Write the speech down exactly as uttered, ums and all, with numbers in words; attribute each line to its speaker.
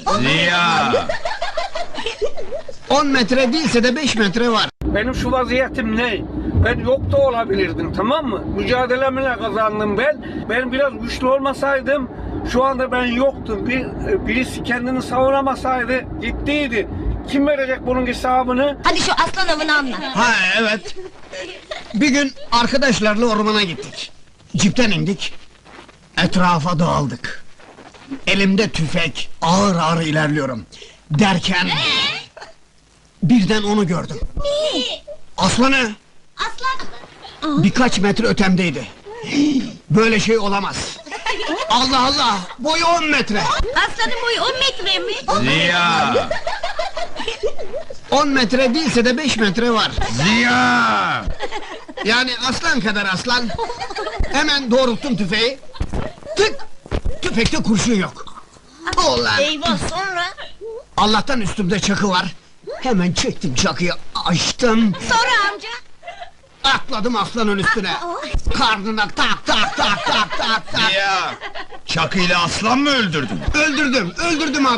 Speaker 1: Ziya!
Speaker 2: On metre değilse de beş metre var.
Speaker 3: Benim şu vaziyetim ne? Ben yok da olabilirdim, tamam mı? Mücadelemle kazandım ben. Ben biraz güçlü olmasaydım şu anda ben yoktum. Bir, birisi kendini savunamasaydı gittiydi. Kim verecek bunun hesabını?
Speaker 4: Hadi şu aslan avını anlat.
Speaker 2: Ha evet. Bir gün arkadaşlarla ormana gittik. Cipten indik. Etrafa dağıldık. Elimde tüfek, ağır ağır ilerliyorum. Derken... birden onu gördüm. Aslanı!
Speaker 4: Aslan.
Speaker 2: Birkaç metre ötemdeydi. Böyle şey olamaz. Allah Allah! Boyu on metre!
Speaker 4: Aslanın boyu on metre mi?
Speaker 1: Ziya!
Speaker 2: On metre değilse de beş metre var.
Speaker 1: Ziya!
Speaker 2: Yani aslan kadar aslan. Hemen doğrulttum tüfeği. Tık! Tüfekte kurşun yok. Ulan!
Speaker 4: Eyvah, sonra?
Speaker 2: Allah'tan üstümde çakı var. Hemen çektim çakıyı, açtım.
Speaker 4: Sonra amca?
Speaker 2: Atladım aslanın üstüne. Karnına tak tak tak tak tak tak.
Speaker 1: Ziya! Çakıyla aslan mı öldürdün?
Speaker 2: Öldürdüm, öldürdüm abi.